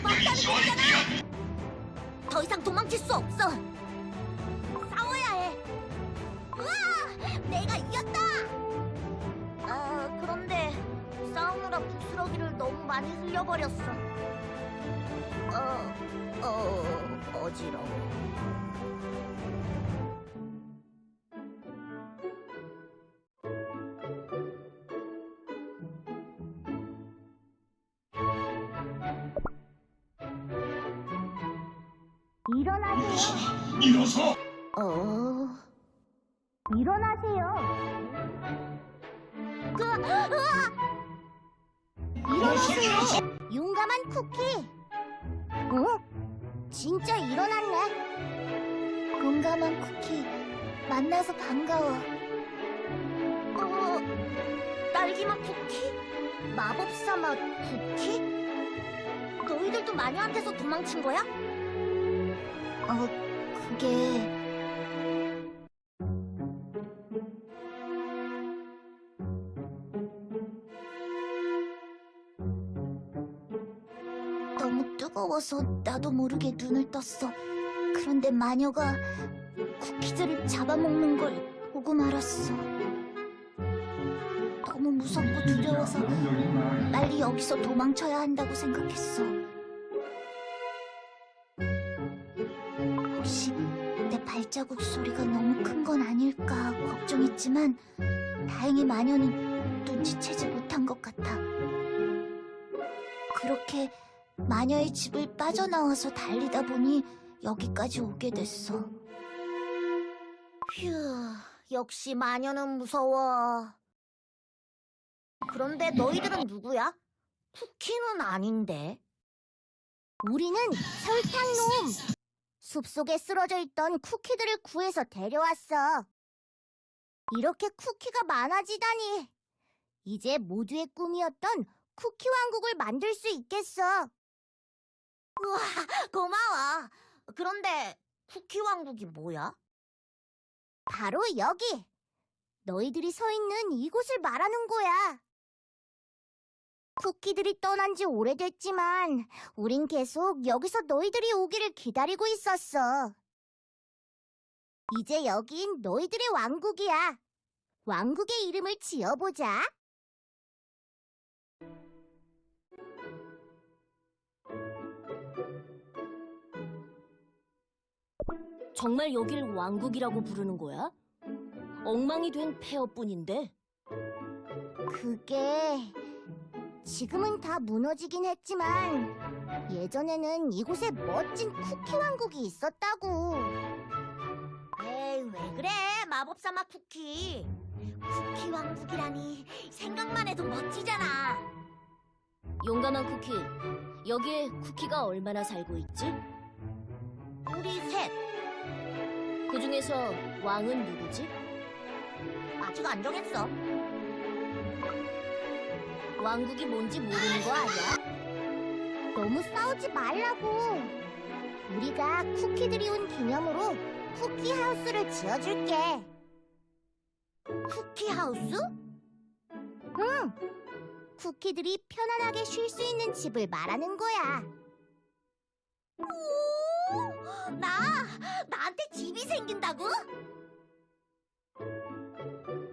막다는 얘기잖아. 더 이상 도망칠 수 없어. 싸워야 해. 우와! 내가 이겼다! 그런데 싸우느라 부스러기를 너무 많이 흘려버렸어. 어지러워. 일어나세요. 일어서! 일어나세요. 일어나세요. 용감한 쿠키. 진짜 일어났네. 용감한 쿠키, 만나서 반가워. 딸기맛 쿠키? 마법사 맛 쿠키? 너희들도 마녀한테서 도망친 거야? 그게... 너무 뜨거워서 나도 모르게 눈을 떴어. 그런데 마녀가 쿠키들을 잡아먹는 걸 보고 말았어. 너무 무섭고 두려워서 빨리 여기서 도망쳐야 한다고 생각했어. 혹시 내 발자국 소리가 너무 큰 건 아닐까 걱정했지만 다행히 마녀는 눈치채지 못한 것 같아. 그렇게 마녀의 집을 빠져나와서 달리다 보니 여기까지 오게 됐어. 휴, 역시 마녀는 무서워. 그런데 너희들은 누구야? 쿠키는 아닌데. 우리는 설탕놈. 숲속에 쓰러져 있던 쿠키들을 구해서 데려왔어. 이렇게 쿠키가 많아지다니. 이제 모두의 꿈이었던 쿠키 왕국을 만들 수 있겠어. 우와, 고마워. 그런데 쿠키 왕국이 뭐야? 바로 여기. 너희들이 서 있는 이곳을 말하는 거야. 쿠키들이 떠난 지 오래됐지만 우린 계속 여기서 너희들이 오기를 기다리고 있었어. 이제 여긴 너희들의 왕국이야. 왕국의 이름을 지어보자. 정말 여길 왕국이라고 부르는 거야? 엉망이 된 폐허뿐인데. 그게... 지금은 다 무너지긴 했지만 예전에는 이곳에 멋진 쿠키 왕국이 있었다고. 에이, 왜 그래, 마법사 맛 쿠키. 쿠키 왕국이라니 생각만 해도 멋지잖아. 용감한 쿠키, 여기에 쿠키가 얼마나 살고 있지? 우리 셋. 그 중에서 왕은 누구지? 아직 안 정했어. 왕국이 뭔지 모르는 거 아니야? 너무 싸우지 말라고. 우리가 쿠키들이 온 기념으로 쿠키 하우스를 지어줄게. 쿠키 하우스? 응. 쿠키들이 편안하게 쉴 수 있는 집을 말하는 거야. 나한테 집이 생긴다고?